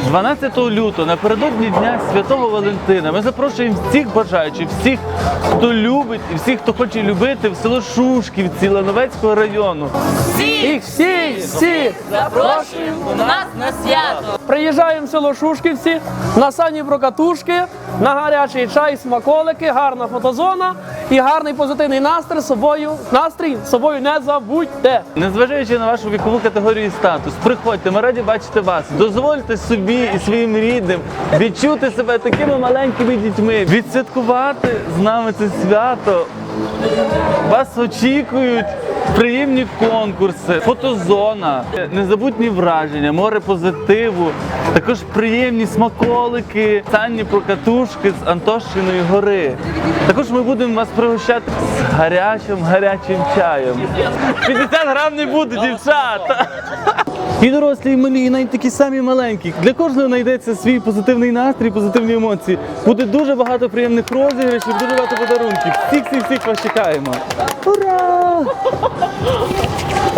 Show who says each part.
Speaker 1: 12 лютого, напередодні Дня Святого Валентина, ми запрошуємо всіх бажаючих, всіх, хто любить і всіх, хто хоче любити, в село Шушківці Лановецького району.
Speaker 2: Всіх
Speaker 3: Запрошуємо до нас на свято.
Speaker 2: Приїжджаємо в село Шушківці, на сані прокатушки, на гарячий чай, смаколики, гарна фотозона і гарний позитивний настрій з собою не забудьте.
Speaker 1: Незважаючи на вашу вікову категорію і статус, приходьте, ми раді бачити вас. Дозвольте собі і своїм рідним відчути себе такими маленькими дітьми, відсвяткувати з нами це свято. Вас очікують приємні конкурси, фотозона, незабутні враження, море позитиву, також приємні смаколики, санні прокатушки з Антошиної гори. Також ми будемо вас пригощати з гарячим чаєм. 50 грам не буде, дівчата! І дорослі, і малі, і навіть такі самі маленькі. Для кожного знайдеться свій позитивний настрій, позитивні емоції. Буде дуже багато приємних розіграшів, дуже багато подарунків. Всіх вас чекаємо. Ура!